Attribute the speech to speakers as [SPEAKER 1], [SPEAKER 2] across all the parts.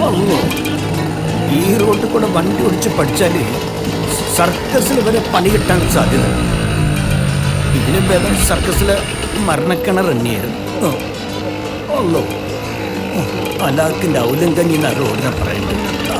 [SPEAKER 1] അല്ലോ, ഈ റോഡിൽ കൂടെ വണ്ടി ഓടിച്ച് പഠിച്ചാൽ സർക്കസിൽ വരെ പണി കിട്ടാൻ സാധ്യത. ഇതിന് ഭേദം സർക്കസിലെ മരണക്കിണർ എണ്ണിയായിരുന്നു. അല്ലോ, അലാക്കിൻ്റെ ഔലം കഞ്ഞി എന്ന റോഡിനെ പറയുന്നത്.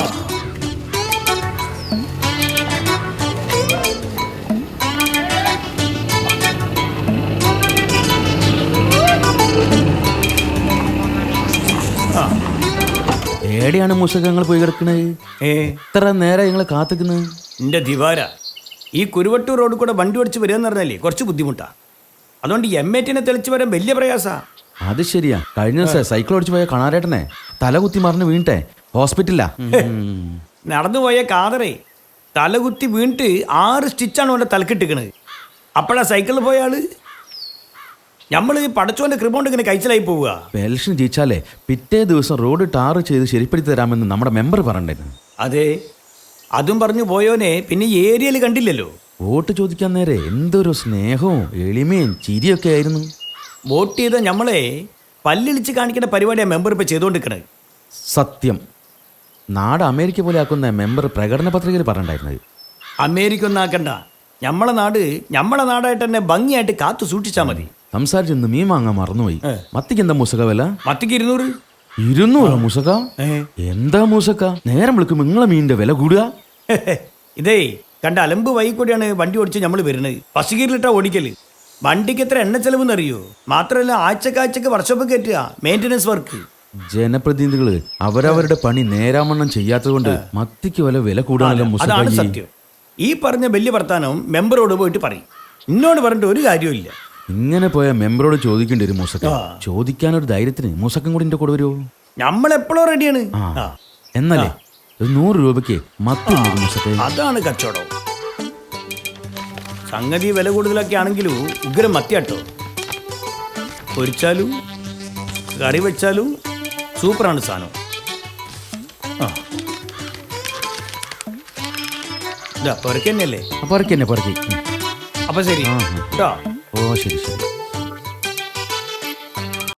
[SPEAKER 2] എവിടെയാണ് മൂസകങ്ങൾ പോയി കിടക്കണത്? എത്ര നേരം ഞങ്ങൾ കാത്തിക്കുന്നത്?
[SPEAKER 1] എൻ്റെ ദിവാര, ഈ കുരുവട്ടൂർ റോഡിൽ കൂടെ വണ്ടി ഓടിച്ച് വരിക എന്ന് പറഞ്ഞാലേ കുറച്ച് ബുദ്ധിമുട്ടാ. അതുകൊണ്ട് എമ്മേറ്റിനെ തെളിച്ച് വരാൻ വലിയ പ്രയാസാ.
[SPEAKER 2] അത് ശരിയാ. കഴിഞ്ഞ ദിവസം സൈക്കിൾ ഓടിച്ച് പോയ കണാരേട്ടനെ തലകുത്തി മറിഞ്ഞ് വീണിട്ടെ ഹോസ്പിറ്റലിലാ.
[SPEAKER 1] നടന്നുപോയ കാതറേ തലകുത്തി വീണിട്ട് 6 സ്റ്റിച്ചാണ് അവൻ്റെ തലക്കിട്ടിക്കണത്. അപ്പോഴാ സൈക്കിളിൽ പോയ ആള്. നമ്മൾ പടച്ചോന്റെ കൃപ ഇങ്ങനെ കഴിച്ചിലായി പോവുക.
[SPEAKER 2] ഇലക്ഷൻ ജയിച്ചാലേ പിറ്റേ ദിവസം റോഡ് ടാർ ചെയ്ത് ശരിപ്പെടുത്തി തരാമെന്ന് നമ്മുടെ മെമ്പർ പറഞ്ഞിരുന്നു.
[SPEAKER 1] അതെ, അതും പറഞ്ഞു പോയോനെ പിന്നെ ഈ ഏരിയയിൽ കണ്ടില്ലല്ലോ.
[SPEAKER 2] വോട്ട് ചോദിക്കാൻ നേരെ എന്തൊരു സ്നേഹവും എളിമയും ചിരിയൊക്കെ ആയിരുന്നു.
[SPEAKER 1] വോട്ട് ചെയ്ത നമ്മളെ പല്ലിളിച്ച് കാണിക്കുന്ന പരിപാടിയാണ് മെമ്പർ ഇപ്പം ചെയ്തുകൊണ്ടിരിക്കണത്.
[SPEAKER 2] സത്യം. നാട് അമേരിക്ക പോലെ ആക്കുന്ന മെമ്പർ പ്രകടന പത്രികയിൽ പറഞ്ഞിട്ടുണ്ടായിരുന്നത്.
[SPEAKER 1] അമേരിക്ക ഒന്നും ആക്കണ്ട, നമ്മളെ നാട് നമ്മളെ നാടായിട്ട് തന്നെ ഭംഗിയായിട്ട് കാത്തു സൂക്ഷിച്ചാൽ മതി.
[SPEAKER 2] സംസാരിച്ചെന്ന് മീൻ വാങ്ങാൻ മറന്നുപോയി. മത്തിക്ക് എന്താ മൂസക വില?
[SPEAKER 1] മത്തിക്ക് 200.
[SPEAKER 2] 200 മൂസക്ക? എന്താ മൂസക്ക, നേരം വിളിക്കും നിങ്ങളെ മീനിന്റെ വില കൂടുക?
[SPEAKER 1] ഇതേ കണ്ട അലമ്പ് വൈകൂടിയാണ് വണ്ടി ഓടിച്ച് നമ്മൾ വരുന്നത്. പശുകീരിലിട്ടാ ഓടിക്കല്. വണ്ടിക്ക് എത്ര എണ്ണ ചെലവെന്ന് അറിയോ? മാത്രമല്ല ആഴ്ചക്കാഴ്ചക്ക് വർഷോപ്പ് കയറ്റുക, മെയിൻ്റനൻസ് വർക്ക്.
[SPEAKER 2] ജനപ്രതിനിധികള് അവരവരുടെ പണി നേരാമണ്ണം ചെയ്യാത്തത് കൊണ്ട് മത്തിക്ക് വില കൂടാനല്ലോ മൂസക്ക.
[SPEAKER 1] അതാണ് സത്യം. ഈ പറഞ്ഞ വലിയ വർത്താനം മെമ്പറോട് പോയിട്ട് പറയും. ഇന്നോട് പറഞ്ഞിട്ട് ഒരു കാര്യമില്ല.
[SPEAKER 2] ഇങ്ങനെ പോയ മെമ്പറോട് ചോദിക്കേണ്ടി വരും മൂസക്ക. ചോദിക്കാനൊരു ധൈര്യത്തിന് മൂസക്കം കൂടി എന്റെ കൂടെ വരുമോ?
[SPEAKER 1] നമ്മളെപ്പോഴും റെഡിയാണ്.
[SPEAKER 2] എന്നല്ലേ 100 രൂപയ്ക്ക് മത്തി മൂസക്ക.
[SPEAKER 1] അതാണ് കച്ചവടം. സംഗതി വില കൂടുതലൊക്കെ ആണെങ്കിലും ഉഗ്രം മത്തിയാട്ടോ. പൊരിച്ചാലും കറി വെച്ചാലും സൂപ്പറാണ് സാധനം.
[SPEAKER 2] പൊറക്കി.
[SPEAKER 1] അപ്പൊ ശരി കേട്ടോ.
[SPEAKER 2] ഓ ശരി ശരി.